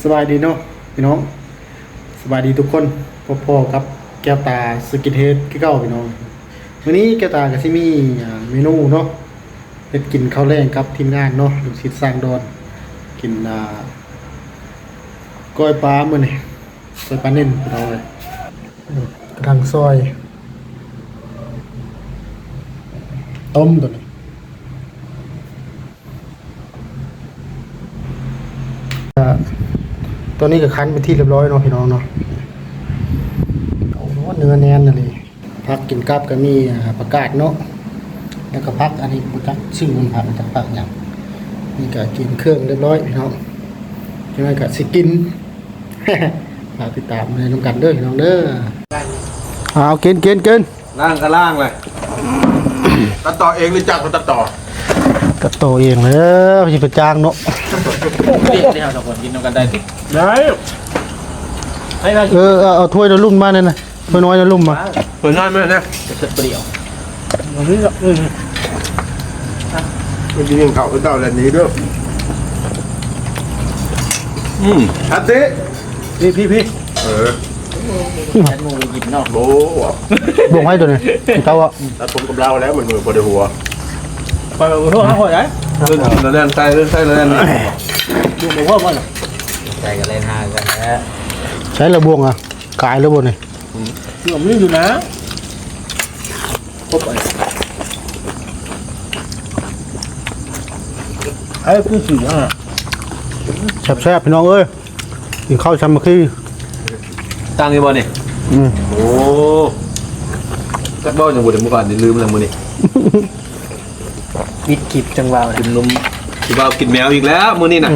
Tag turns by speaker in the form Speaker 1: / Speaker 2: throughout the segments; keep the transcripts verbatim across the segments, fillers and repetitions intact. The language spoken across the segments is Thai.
Speaker 1: สบายดีเนาะพี่น้องสบายดีทุกคนพ่อๆครับแก้วตาสกิทเฮดที่เก้าพี่น้องวันนี้แก้วตากับซิมี่เมนูเนาะเฮ็ดกินข้าวแรงครับทีมงานเนาะลูกศิษย์สร้างดอนกินอ่าก้อยปลามื้อนี้ก้อยปลาเน่นพี่น้องเลยกระทังซอยต้มตัวนี้ตัวนี้ก็คั้นไปที่เรียบร้อยเนาะพี่น้องเนาะโอ้โหเนื้อแน่นเลยพักกินกับก็มีประกาศเนาะแล้วก็พักอันนี้ประกาศชื่อมันผ่านมาจากปากอย่างนี่ก็กินเครื่องเรียบร้อยพี่น้องยังไงก็สิกิน ฝากติดตามในน้ำกันเด้อพี่น้องเด้อเอากินกินกิน
Speaker 2: ล่างก็ล่างเลยตัดต่อเองหรือจ้างเขาตัดต่อ
Speaker 1: ก็โตเองเลยพี่ประจางเนาะ
Speaker 3: เรียกที่เราสองคนกินกันได้ติได้ให้เรา
Speaker 1: เออเอาถ้วยน้ำลุ่มมาเนี่ยนะถ้วยน้อยน้ำลุ่มมา
Speaker 2: เปิดง่ายไหมเนี่ย
Speaker 3: จะเสร็จเปรี้ยว
Speaker 1: มันนี่เออ
Speaker 2: มันยิงเขาตัดต่อแบบนี้ด้วยอืมอัดสิ
Speaker 1: พี่พี่พี่
Speaker 2: เออ
Speaker 3: แค่มูกินเนาะ
Speaker 2: โบ้
Speaker 1: บวงให้ตัวนี้เจ้าอ่ะ
Speaker 2: ตัดผมกับเราแล้วเหมือนมือบนหัว
Speaker 3: ไปไปทั่วทั้งหมดเลย
Speaker 2: เล่นแล้วเล่นใส่เล่นใส่แล้วเล่นนี่
Speaker 3: ดูหมูว่ามันใจกันเล่นฮากันนะ
Speaker 1: ใช้ระบวงอ่ะกายระบวงนี่
Speaker 3: หนุ่มนี่อยู่นะครบเลยไอ้คือสีอ่ะ
Speaker 1: แซ่บๆพี่น้องเอ้ยกินข้าวชำมะขี้
Speaker 2: ตั้งยี่บอลนี่
Speaker 1: อืม
Speaker 2: โอ้จักบ้าอย่างบุญเมื่อก่อนนี่ลืมอะไรมือนี่
Speaker 3: บิดขีบจังหวะ
Speaker 2: กินนมที่บ้ากินแมวอีกแล้วมือนี่น่ะ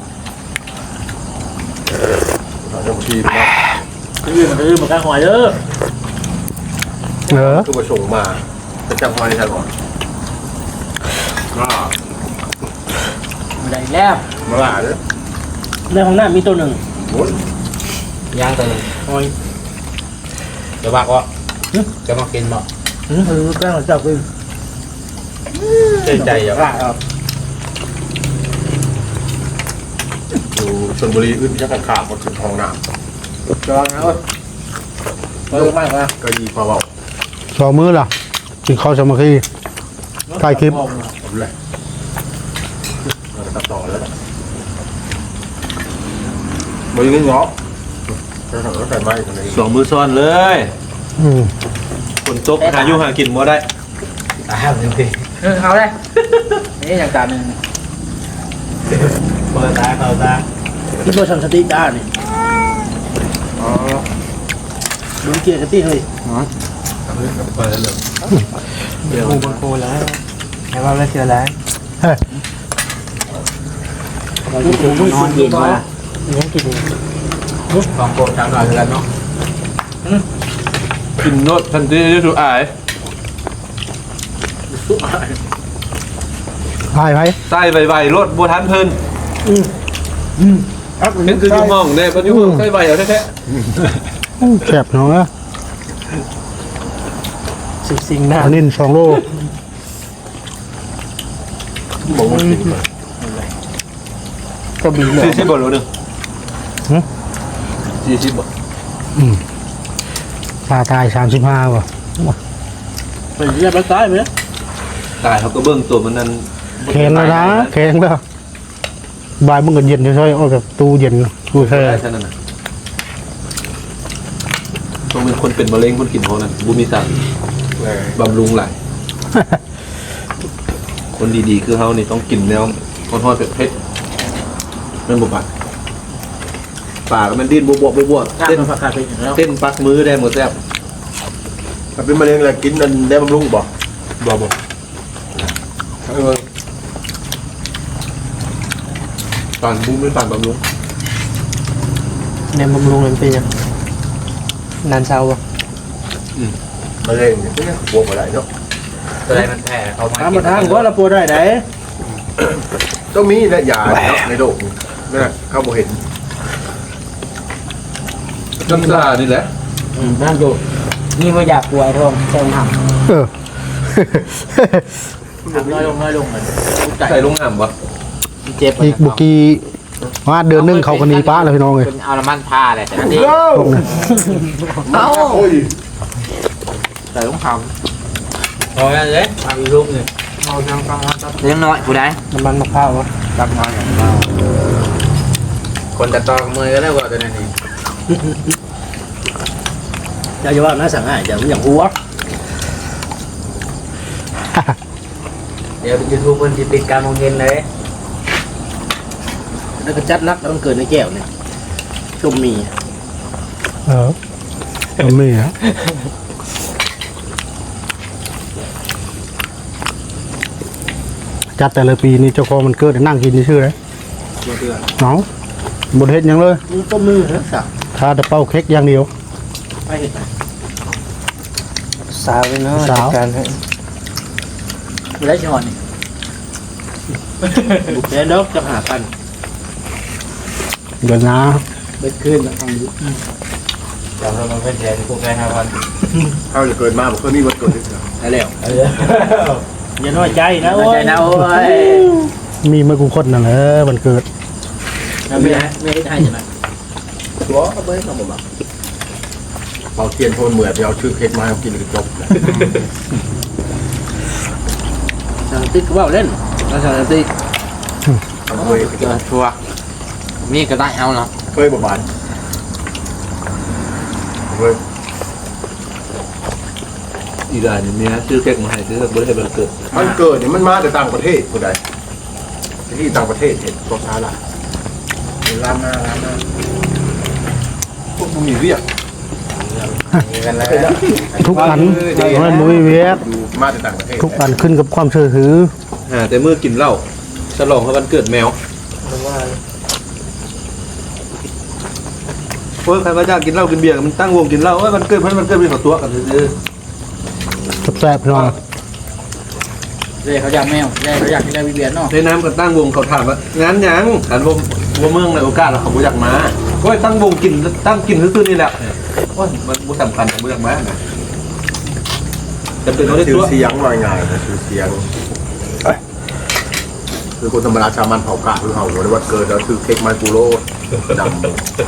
Speaker 2: เราจะมาทีนะ
Speaker 3: คือมันคือมันกระหอยเด้อ
Speaker 1: เออ
Speaker 2: คือมาส่งมาจะจับมาในไทยก่อนก็
Speaker 3: ได้แล้ว
Speaker 2: มาหลาเลย
Speaker 3: ในห้องน้ำมีตัวหนึ่ง
Speaker 2: โอ้ย
Speaker 3: ย่างตัวหนึ่งหอยจะบักวะจะมากินบ่อืมคือแป้งเราจับกิน
Speaker 2: ใจใจอย่าง
Speaker 3: ว่าครับ
Speaker 2: อยู่ชลบุรีอื่นยักษ์ขาดหมดถึงทองน้
Speaker 3: จองนะเว้ยเออมากนะ
Speaker 2: ำก็ดีพอเบา
Speaker 1: สองมื้อล่ะกินข้าวชำมะขี้ถ่ายคลิป
Speaker 2: ผมเลยเราจะตัดต่อแล้วมือนึงเหรอจะทำรถไฟไหม้กันเลย
Speaker 4: สองมือซ้อนเลย
Speaker 1: อืม
Speaker 4: ฝนตกหาอยู่หากินบ่ได้
Speaker 3: ตายแล้วพี่เออเอาได้นี่อย่างจานหนึ่ง
Speaker 4: เปิดตาเข้าตา
Speaker 3: ที่ตัวชันสติด้านนี่
Speaker 2: อ๋อ
Speaker 3: ดูเกียร์สติเลย
Speaker 2: เปิดแล้วเลย
Speaker 3: เดี๋ยวบนโคแล้วแค่ว่าไม่เชื่อแล้ว
Speaker 1: เฮ้ย
Speaker 3: เราที่ถึงนอนเย็นมายังกินสองโคตรทำหน่อยแล้วเนาะ
Speaker 4: กินโนดทันทีที่สุดอาย
Speaker 1: ถ่ายไป
Speaker 4: ใส่ไวๆรถบัวทันเพิ่น
Speaker 1: ครับ
Speaker 4: เห็นคืออยู่ห้องเนี่ยก็อยู่ห้องใส่ไวเอาแท้
Speaker 1: แซ่บน้องนะ
Speaker 3: สิบสิ่งหน้า
Speaker 1: อันนี้สองโล
Speaker 2: บอกว่ากินมา
Speaker 3: ก็บินเล
Speaker 4: ๆ
Speaker 3: ย
Speaker 4: สี่สิบบาทโลหนึงสี่สิบบาท
Speaker 1: ปลาตายสามสิบห้าว่ะ
Speaker 3: เป็นเรียบร้อยตายไหม
Speaker 4: ตายเขาก็เบิ่งตัวมันนั่น
Speaker 1: แข็งแล้วนะแข็งแล้วบ่ายมึงก็เย็นช่วยๆเอาแบบตู้เย็นตู้แช่
Speaker 4: ได้เท่านั้นน่ะต้องเป็นคนเป็นมะเร็งคนกินพวกนั้นบุมีสาร
Speaker 2: แหม
Speaker 4: บำรุงหลายคนดีๆคือเฮานี่ต้องกินแนวทอดๆเผ็ดๆนั่นบ่ปากปากมันดิ้นบวบๆบวบๆ
Speaker 3: เต้
Speaker 4: เต้
Speaker 3: น
Speaker 4: น
Speaker 3: ผักกาดไปแล้ว
Speaker 4: เต้นปักมือได้หมดแซ่บ
Speaker 2: ถ้าเป็นมะเร็งอะไรกินนั่นได้บำรุงบ่บ่บ่เออ
Speaker 4: ตอนบุ้มไม่ตอนบำรุง
Speaker 3: เนี่ยบำรุงมันเป็นยังนานเช้าป่ะ
Speaker 2: มะเร็งเนี่ยเนี่ยบวกอะไรเนาะ
Speaker 3: อะไรมันแผ่เขามาทำมาทางว่าเราปวดได้ไหน
Speaker 2: ต้องมีและยาเนาะในโลกนี่นะเข้าบ่เห็น
Speaker 4: น้ำตานี่แหละ
Speaker 3: นั่นอยู่นี่ไม่อยากป่วยท้องเจ้าหนัก
Speaker 1: เออ
Speaker 3: ทำน้อยลงน้อยลงเลย
Speaker 4: ใส่ลงน้ำวะ
Speaker 3: เจ็บ
Speaker 1: อีกบุกีว่าเดือนหนึงเขาก็หนีป้าแล้วพี่น้องเลย
Speaker 3: เป็นเอาน้ำมันทาเลยแต่อันนี้
Speaker 1: พวกนั้น
Speaker 3: เอา
Speaker 2: โอ้ย
Speaker 3: ใส่ลูกคำพอแล้วเลยทำอีกลูกหนึ่งเอาทางฟังว่าเลี้ยงน้อยผู้ใด
Speaker 1: น้ำมันมะพร้าววะ
Speaker 3: ตักน้อยอย่างเราคนตัดต่อมือก็ได้กว่าตัวนี้
Speaker 1: อย่าจะว่าน่าสั่งง่ายอย่าอย่างหัว
Speaker 3: เดี๋ยวยูทูบมันจะปิดการมองเห็นเลย
Speaker 1: แล้วก็จัดนักแล้วมันเกิดในแก้วเนี่ยชมมีเออชมมีฮะจัดแต่ละปีนี่เจ้าของมันเกิดนั่งกินชื่อเลยน้องบดเฮ็ดหยังเลยต้มมือนะสักทาแต่เป้าเค้กอย่างเดียวไปเฮ็ดสาวเลยเนาะสาวการให้ไม่ได้ช้อนนี่บุกเดนดอกจะหาพันเดี๋ยวนะเบ็ดขึ้นนะทางนี้
Speaker 3: เราเราเป็นแทนพวกแกห้าวัน
Speaker 2: เขาจะเกิดมาบอกเคยมีวันเกิดด้วยเหรอ
Speaker 1: ได้แล้วอย่าน้อยใจนะ
Speaker 3: ใจนะโอ้ย
Speaker 1: มีเมื่อกูคนนั่นแหละวันเกิด
Speaker 3: ไม่ได้ไม่ได้ใช่ไหม
Speaker 2: ตัวก็ไม่ทำแบบเป่าเทียนโทนเหมือนไปเอาชื่อเค้กมาให้กินเลยจบ
Speaker 1: สั่งติ๊กว่าเล่นแล้วสั่งติ๊ก
Speaker 2: เคย
Speaker 3: เจอชัวมีก็ได้เอาเนาะ
Speaker 2: เคยประบาดเคย
Speaker 4: อีกอย่างนี่เมียซื้อเค้กมาให้ซื้อเบิร์ดให้เบิร์ดเกิด
Speaker 2: มันเกิดเนี่ยมันมาจากต่างประเทศคนใดที่ต่างประเทศเห็นตัวช้าละร้านหน้าร้านหน้าพวกมึงมีเรียก
Speaker 3: มีกันแล้ว
Speaker 1: ทุกอันมันมุ้ยเวียก
Speaker 2: มาจากต่างประเทศ
Speaker 1: ทุกอันขึ้นกับความเชื่อถือ
Speaker 4: อ่าแต่เมื่อกินเหล้าฉลองให้วันเกิดแมวเพราะใครว่าจ้างกินเหล้ากินเบียร์มันตั้งวงกินเหล้าว่ามันเกิดพันมันเกิดเป็นของตัวกันซื้อ
Speaker 1: แซ่บๆพี่น้อง
Speaker 3: เลยเขาอยากแมวเลยเขาอยากกินได้วิเวียนเนาะ
Speaker 4: ในน้ำกันตั้งวงเขาถามว่างานยังอันวงวงเมืองในโอกาสเราเขาบ่อยากมาก็ตั้งวงกินตั้งกินซื่อๆนี่แหละว่ามันบ่สำคัญเขาบ่อยากมาจะเป็นเขาได้
Speaker 2: ชื่
Speaker 4: ตั
Speaker 2: อ
Speaker 4: ว
Speaker 2: เสียงว่าไงนะชื่อเสียงคือคนธรรมดาชาวมันเผากาคือเขาในวันเกิดแล้วคือเค้กไมกูโร่ดำ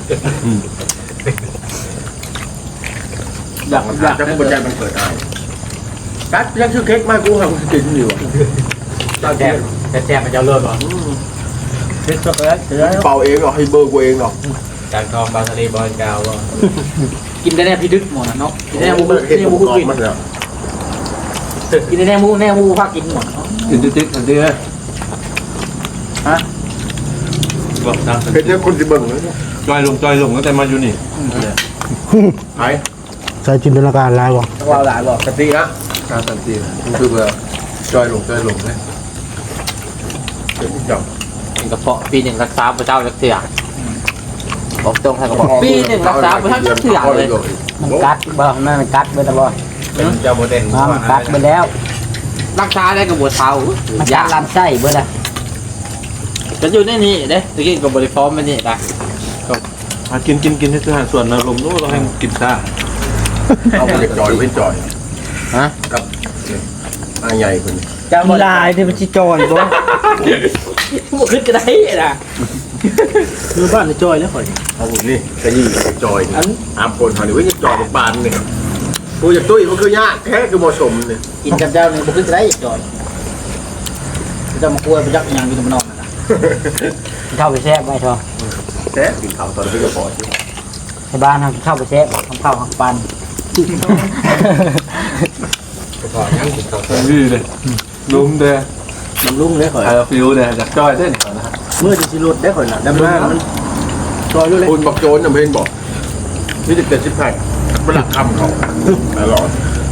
Speaker 3: อยากอยาก
Speaker 2: จะคนใจมันเกิดได้กัดยังชื่อเค้กไมกูเขากินอยู่
Speaker 3: แซ่บแซ่บมันจะเลิศหรอ
Speaker 1: เช็คช็อกโกแลตเสร็จแล้ว
Speaker 2: เป่าเองหรอให้เบอร์กูเองหรอ
Speaker 3: จากทองบางทะเลบอลกาวกินได้แน่พี่ดึกหมดนะเนาะกินได้แน่มู
Speaker 2: เห็
Speaker 3: กิ
Speaker 2: น
Speaker 3: นได้
Speaker 2: ผ
Speaker 3: มู
Speaker 2: มกรอบ
Speaker 3: กิน
Speaker 2: มันแล้ว
Speaker 3: กินได้แน่มูแน่มูพักกินหมด
Speaker 4: กินติ๊กๆอันนี้
Speaker 3: ฮะ
Speaker 4: บอกตาม
Speaker 2: เป็นเนี่ยคนที่เบิ่งเลย
Speaker 4: จอยลงจอยลงตั้งแต่มาอยู่นี่
Speaker 2: ไอ้
Speaker 1: ใช้จินตนาการลายวะ
Speaker 3: ต้องว่าหลายบอก
Speaker 2: กะทินะ
Speaker 4: การสันติมันคือแบบจอยลงจอยลงเลย
Speaker 2: เป็นจับ
Speaker 3: กินกระเพาะปีหนึ่งรักษาพระเจ้าจักเสือบอกตรงใครก็บอกปีหนึ่งรักษาพระเจ้าจักเสือเลย
Speaker 1: มันกัดบ่นั่นมันกัดไปตลอด
Speaker 3: เจ้าโมเดล
Speaker 1: มันกัดไปแล้ว
Speaker 3: รักษาได้กับบัวเทา
Speaker 1: มันกัดลำไส้เบิดอ่ะ
Speaker 3: จะอยู่ในนี้เด้ตะกี้กับบริฟอร์มมันนี่นะ
Speaker 4: มากินกินกินที่สถานส่วนอารมณ์นู้นเราให้กินซ่า
Speaker 2: เอาไปจอยเป็นจอย
Speaker 3: ฮะ
Speaker 2: กับอาใหญ่คน
Speaker 3: จะบ
Speaker 1: ลายที่มันชิจอยบ่
Speaker 3: บ่ขึ้นก็ได้นะ
Speaker 1: คือบ้านในจอยแล้วข่อย
Speaker 2: เอาหุ่นนี่กระยี่จอยนี่อามคนเขาเนี่ยเว้ยจอยบานเนี่ยกูจะตุ้ยมันคือยากแค่คือเหมาะสมเนี่ย
Speaker 3: กินกับเจ้านี่บ่ขึ้นก็ได้จอยจะมากลัวไปยักอย่างอยู่ตรงนอกนะ
Speaker 1: เข้าไปแซ่บไปทอ
Speaker 2: แค่กินข้าวตอนนี้ก็พอที่
Speaker 1: ในบ้านทำเข้าไปแซ่บทำข้าวหักปัน
Speaker 3: พอยังกินข้าว
Speaker 4: พี่เลยลุมเด้อ
Speaker 1: มันลุ่งเลยข่อย
Speaker 4: ไอ้ฟิวเด้อจากจอยเด้อนะฮะ
Speaker 1: เมื่อจะสิรถได้ข่อยน่ะดำหน้ามันจอยรู้เลย
Speaker 2: คุณบอกโจนน่ะเพนบอกนี่จะเกิดชิบหายมันหลักคำเขาตลอด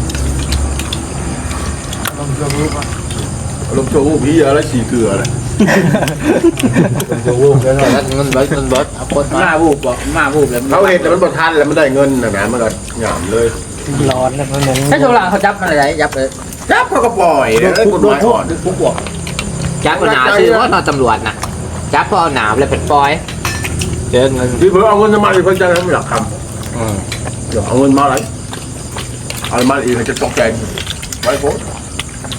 Speaker 2: ลมโชว์พี่เยอะแล้วฉี่เกลือเลย
Speaker 3: จะวูบแล้วเนาะเงินเบิดเงินเบิดเอาคนมาวูบบอกมาวูบแล้ว
Speaker 2: เขาเห็นแต่มันบดทันแล้วมันได้เงินนะนะมันก็หยามเลย
Speaker 1: ร้อนแล้วมันนั้น
Speaker 3: ถ้าโซล่าเขาจับอะไรยับเลย
Speaker 2: จับเขาก็ปล่อยเลยกฎหมายอ่อน
Speaker 3: ปุ๊บบอกจับหนาซื้อว่านอนตำรวจนะจับพอหนาวเลยเป็นปอยเจอเงิน
Speaker 2: พี่เพิ่งเอาเงินมาอีกเพิ่งจะทำหลักคำเดี๋ยวเอาเงินมาอะไรเอามาอีกจะตกใจไว้โพส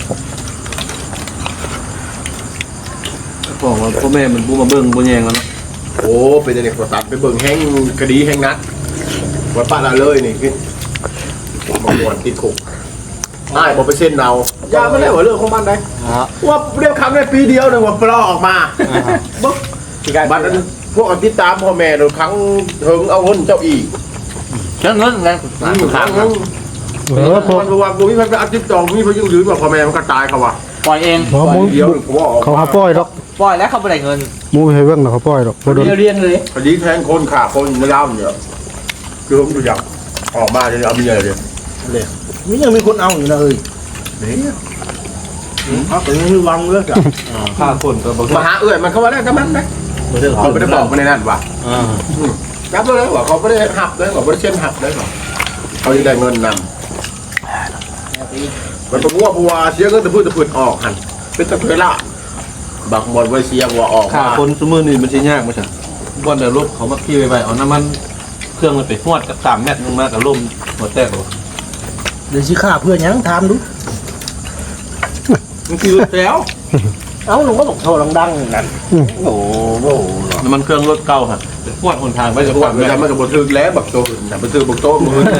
Speaker 4: บอกว่าพ่อแม่มันบูมาเบิ่งบูแยงแล้วเนาะ
Speaker 2: โอ้เป็นในประสาทไปเบิ่งแห้งคดีแห้งนัดวัดป้าละเลยนี่พี่บางวันติดคุกได้บอกไปเส้นเรายาไม่ได้ว่าเรื่องของมันได้ว่าเรียกคำได้ปีเดียวหนึ่งว่าปลอออกมาบุ๊กบัตรพวกติดตามพ่อแม่โดยครั้งถึงเอาเงินเจ้าอีก
Speaker 3: เจ้าเงินไง
Speaker 2: ครั้งนึง
Speaker 1: เออพอ
Speaker 2: มันว่าบุ้ยมันไปอัดจิ๊บจองบุ้ยเขายุ่งยืนว่าพ่อแม่มันก็ตายเขาว่ะ
Speaker 3: ปล่อยเอง
Speaker 1: พอหมู
Speaker 2: เดียวเขาว่าออก
Speaker 1: เขาหาป้อยดอก
Speaker 3: ปล่อยแล้วเขาไม่ได้เงิน
Speaker 1: หมูให้เบิ่งแล้วเขาป้อยดอกบ่โดน
Speaker 3: เรียนเลย
Speaker 2: คดีแทงคนขาคนในย่ำเนี่ยคือผมดูอย่างออกมาจะเอาเมียเลย
Speaker 1: เลยนี่ยังมีคนเอาอยู่นะเอ้ย
Speaker 2: นี่
Speaker 1: เอาแต่ยังมีวังเลิกอ่ะ
Speaker 4: ฆ่าคนก็บ่
Speaker 2: มาหาเอื้อยมันเขาว่าได้ก็มันนะเขาไม่ได้บอกมาในนั้นว่ะรับเลยว่าเขาไม่ได้หักเลยว่าไม่ได้เช่นหักเลยว่าเขาจะได้เงินนำมันเป็นวัวบัวเสียเงินแต่พูดแต่พูดออกหันเป็นตะเพล่าบางบอลไว้เสียวัวออก
Speaker 4: ฆ่า
Speaker 2: มา
Speaker 4: คนสมือนี่มันสิยากมั้ยซั่นบ่ได้รถเขามาขี่ไปๆเอาน้ำมันเครื่องมันไปฮวดกับสามเมตรลงมากับลมหัวแตกบ่
Speaker 1: เดี๋ยวสิฆ่าเพื่อนยังถามดู
Speaker 4: มันคือแล้ว
Speaker 1: เอ้าลุงก็บอกโทรดังๆนั่นโอ้โห
Speaker 4: น้ำมันเครื่องรถเก่าฮะไปฮวดหนทางไปจะ
Speaker 2: ทุก
Speaker 4: ฮว
Speaker 2: วั
Speaker 4: ด
Speaker 2: น
Speaker 4: แม่
Speaker 2: มันก็บทึกแล้วบักโตน่ะบักทึกบักโตมือ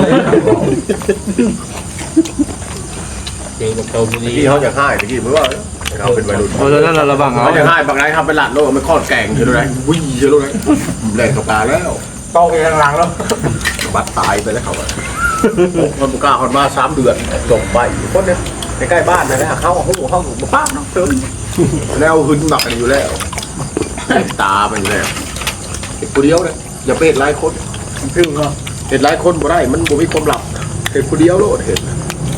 Speaker 3: เองกับโตบุรี
Speaker 2: ที่เขาจะให้ตะกี้เพราะว่าเขาเป็นวัยรุ่น
Speaker 4: เพราะฉะนั้นเราระวังเอา
Speaker 2: เขาจะให้บางรายทำเป็นหลัดโลกไม่คลอดแกงเยอะเลยวิ่งเยอะเลยแรงกับตาแล้ว
Speaker 3: โตไปทางหลังแล้ว
Speaker 2: บัดตายไปแล้วเขาคนบุกล้าคนมาสามเดือนจบไปคนเนี้ยใกล้ๆบ้านนะนะเขาเขาเขามาป้าน้องเติมแล้วหึนหนักกันอยู่แล้วตามันอยู่แล้วเห็นคนเดียวเลยอย่าไปเห็นหลายคนพึ่งก็เห็นหลายคนบ่ได้มันบ่มีความหลับเห็นคนเดียวโลดเห็น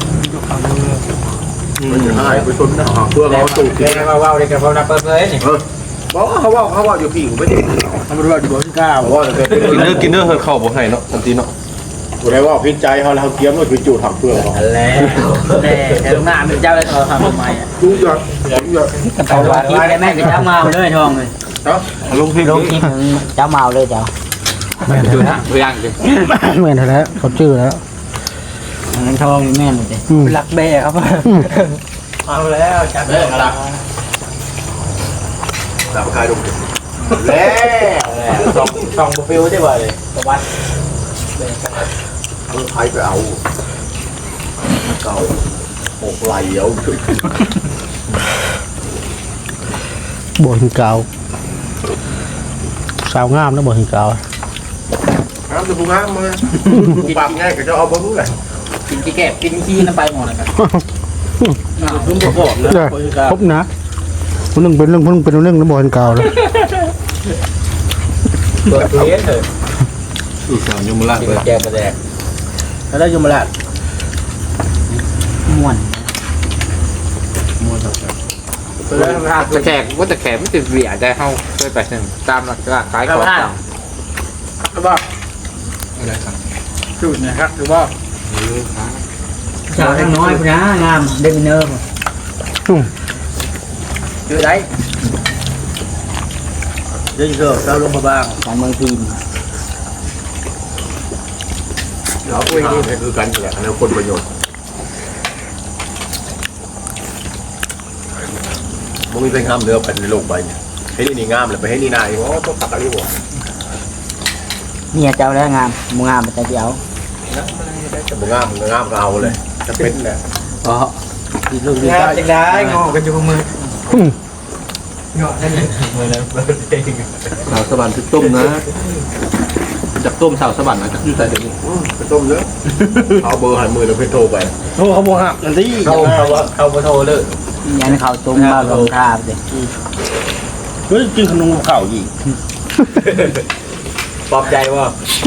Speaker 2: มันจะให้ไปชนนะเพื่อเราสูบ
Speaker 3: เรียนมาว่าเรียนกับเขานักเปิดเลยนี่
Speaker 2: เออบอกว่าเขาว่าเขาว่าอยู่ผิวไม่ได้
Speaker 1: ทำรวจอยู่บ่ที่เก้า
Speaker 2: บอกว่าจะเป็น
Speaker 4: กินเนื้อกินเนื้อเฮิร์เข้าบ่ให้เนาะทันทีเนาะ
Speaker 2: กูได้ว่าพิจใจเขาแล้วเขาเกี้ยมว่าคือจูดถังเปลือกเขา
Speaker 3: แล้วแม่แต่ลูกหน้าเป็นเจ้าเลยทอทำทำไมอ่ะ
Speaker 2: จูดยอดจูดยอด
Speaker 5: เขาลงคลิปได้แม่เป็นเจ้าเมาเลยทองเลย
Speaker 2: เนาะ
Speaker 4: ลงพิมพ์
Speaker 5: ลงคลิปเจ้าเมาเลยเจ้า
Speaker 1: แม่น
Speaker 3: ดู
Speaker 1: แท้
Speaker 3: นะตัวอย่างสิ
Speaker 1: แม่นแท้เขาชื่อแล้ว
Speaker 5: เงินทองแม่นเลย
Speaker 1: อืม
Speaker 5: รักแม่ครับ
Speaker 3: เอาแล้วจับเลยละ
Speaker 2: ดาบคายลงแล้ว
Speaker 3: สองสองโปรฟิลได้บ่เลยประวัติ
Speaker 2: เอาใครไปเอาเก่าหกไหลเอา
Speaker 1: บ่หินกาวสาวงามนะบ่หินกาว
Speaker 2: น้ำจะพุงน้ำมาปากง่ายก็จะเอาบ้างเลย
Speaker 5: กินที่แก็บกินขี้น้ำไปหมดเลยครับ
Speaker 1: รุ่นประกอบนะครบนะคนหนึงเป็นเรื่องคนหนึงเป็นเรื่องนะบ่หินกาวเลย
Speaker 3: ตัวเลี้ยงเถอะ
Speaker 4: สู่สามยมราช
Speaker 3: กิน
Speaker 4: เลย
Speaker 3: แกงกระแดก
Speaker 1: แล้วได้ยมราช
Speaker 5: ม่วน
Speaker 3: ตะแขกว่าตะแขกไม่ติดเบียดได้เข้าเคยไปหนึ่งตามหลักการขายของต่าง
Speaker 1: ว่า
Speaker 4: อะไรครับ
Speaker 1: จุดนะครับคือว่า
Speaker 5: สาวทั้งน้อยพุ่นนะงามเดมิเนอร์
Speaker 3: คือได้
Speaker 1: เดี๋ยวจะเจ้าลงมาบ้าง
Speaker 5: ของเมืองพีน
Speaker 2: เราคุยนี่คือกันแหละแล้วคนประโยชน์มึงมีเป็นงามเรือไปในโลกใบเนี่ยให้นี่นี่งามเลยไปให้นี่นายโอ้ต้องตักอะไรหัว
Speaker 5: เมียเจ้าแล้วงามมูงามแต่เจ้า
Speaker 2: จะมึงงามมึงงามก็เอาเลยจะเป็นแหละ
Speaker 5: อ๋อ
Speaker 1: ดีลูกดี
Speaker 3: งา
Speaker 1: ใจ
Speaker 3: นจังได้งอกันอยู่มือ
Speaker 4: สาวสวรรค์คือต้มนะจากต้มสาวสวรรค์นะจากอยู่ใส่เดี๋ยวนี้
Speaker 2: ไปต้มเยอะเอาเบอร์หันมือเราไปโทรไป
Speaker 1: โทรเขาบอกหักนั่นที่
Speaker 3: เข้าเข้าเข้าโทรเลย
Speaker 5: ยันเขาตุ้มมาลงทาเลย
Speaker 1: เฮ้ยกินขนมเก่าอีก
Speaker 3: ปลอบใจว่า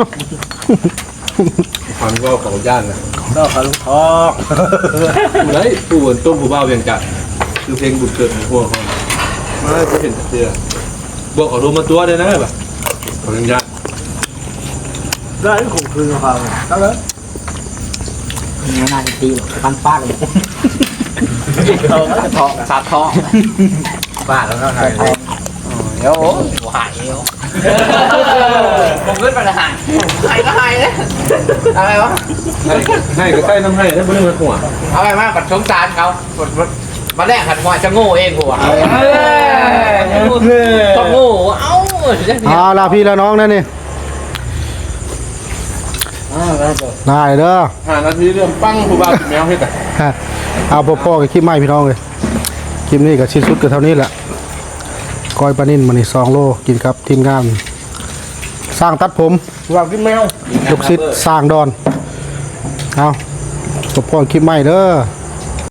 Speaker 4: ความก็ของย่านนะ
Speaker 1: ก็ขาลูกทอง
Speaker 4: ผู้ใดผู้บนต้มผู้บ่าวเวียงจันทร์คือเพลงบุญเกิดของพวกเขาไม่จะเห็นเสื้อบอกเขาโทรมาตัวเลยนะแบบของยังยักษ์
Speaker 1: ได้ข่มขืนเขาแล้วเลย
Speaker 5: เมียน่าจะตีปันฟาดเลย
Speaker 3: เขาจะทองสาดทองบ้าแล้วก็ไงเดี๋ยวหายเดี๋ยวผมขึ้นไปหายหายก็หายเลยอะไรวะ
Speaker 4: ให้ให้ก็ใกล้น้ำให้ให้ไม่ได้มาหัว
Speaker 3: เอาไปมาปัดชงจานเขามาแรกหันมอยจะโง่เองหัวต้องโง่เอ้าอ้ย
Speaker 1: เอาลาพี่ละน้องนั่นนี่
Speaker 4: อ่าแล้วก็
Speaker 1: ได้เด้อ
Speaker 4: ห้านาทีเรื่องปั้งผู้บ่าวแมวให้แต่
Speaker 1: ฮะเอาพ่อๆกับคลิปใหม่พี่น้องเลยคลิปนี้กับชิ้นสุดก็เท่านี้แหละก้อยปลานิ่นมานี่สองโลกินครับทีมงานสร้างตัดผม
Speaker 2: ว่ากินแมว
Speaker 1: ลูกศิษย์สร้างดอนเอาพ่อๆคลิปใหม่เด้อ